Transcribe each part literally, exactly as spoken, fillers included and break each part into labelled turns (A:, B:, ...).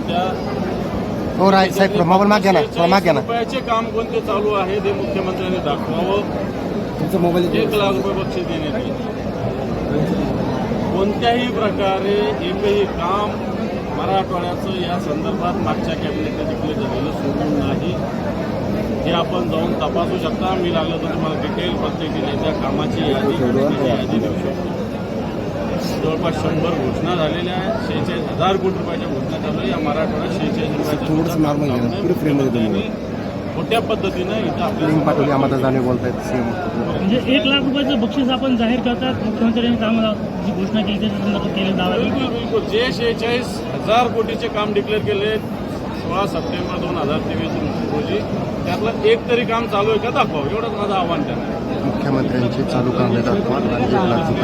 A: होत्या.
B: हो राय साहेब मोबाईल माग घ्या ना थोडा माग घ्या ना.
A: रुपयाचे काम कोणते चालू आहे ते मुख्यमंत्र्यांनी दाखवावं.
B: तुमचा मोबाईल
A: एक लाख रुपये बक्षीस देण्यात येईल. कोणत्याही प्रकारे एकही काम मराठवाड्याचं या संदर्भात मागच्या कॅबिनेटने डिक्लेअर झालेलं सोडून नाही. हे आपण जाऊन तपासू शकता. मी लागलं तर तुम्हाला डिटेल प्रत्येक जिल्ह्याच्या कामाची यादी यादी देऊ शकतो. जवळपास शंभर घोषणा झालेल्या आहेत. शेहेचाळीस हजार कोटी रुपयाच्या घोषणा चालू आहे. या मराठवाड्यात शेहेचाळीस रुपयाच्या मोठ्या पद्धतीनं इथं आपल्याला
B: पाठवली आम्हाला जाणे बोलतायत सीएम.
C: म्हणजे एक लाख रुपयाचं बक्षीस आपण जाहीर करतात. मुख्यमंत्र्यांनी कामाला जी घोषणा केली त्याच्या संदर्भात केले दावा.
A: बिलकुल बिलकुल जे शेहेचाळीस हजार कोटीचे काम डिक्लेअर केले सोळा सप्टेंबर दोन हजार तेवीस रोजी त्यातलं एक तरी काम चालू आहे का दाखवावं. एवढंच माझं आव्हान त्यांना.
B: मुख्यमंत्र्यांची चालू कामे दाखवा आणि एक लाख रुपये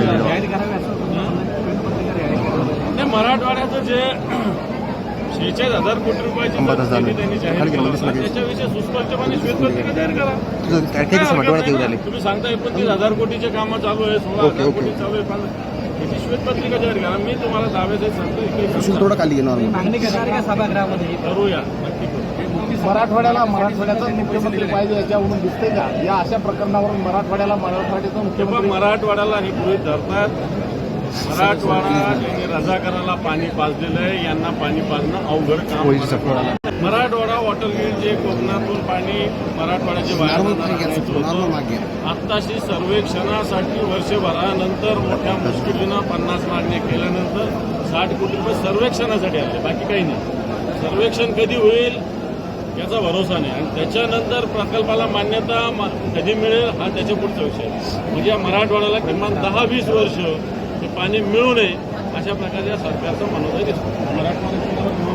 A: नाही मराठवाड्याचं जे शेहेचाळीस हजार कोटी रुपयाची त्यांनी जाहीर केलं त्याच्याविषयी सुस्पष्टपणे श्वेतपत्रिका जाहीर करा. तुम्ही सांगता एकोणतीस हजार कोटीचे कामं चालू आहे सोळा हजार कोटी चालू आहे त्याची श्वेतपत्रिका जाहीर करा. मी तुम्हाला दाव्याचे सांगतो
B: थोडं खाली
C: मागणी करणार का सभागृहामध्ये
A: करूया नक्की करू.
D: मराठवाड्याला मराठवाड्याचा मुख्यमंत्री पाहिजे याच्यावरून दिसते का या अशा प्रकरणावरून मराठवाड्याला मराठवाड्याचा मुख्यमंत्री
A: मराठवाड्याला हे गृहीत धरतात. मराठवाडा यांनी रजाकाराला पाणी पाजलेलं आहे. यांना पाणी पाजणं अवघड काम. मराठवाडा वॉटर ग्रीड जे कोकणातून पाणी मराठवाड्याचे बाहेर आत्ताशी सर्वेक्षणासाठी वर्षभरानंतर मोठ्या मुश्किलीनं पन्नास मागण्या केल्यानंतर साठ कोटी रुपये सर्वेक्षणासाठी आले. बाकी काही नाही. सर्वेक्षण कधी होईल याचा भरोसा नाही. आणि त्याच्यानंतर प्रकल्पाला मान्यता कधी मिळेल हा त्याच्या पुढचा विषय. म्हणजे या मराठवाड्याला किमान दहा वीस वर्ष हे पाणी मिळू नये अशा प्रकारच्या सरकारचं मनोदय दिसतो.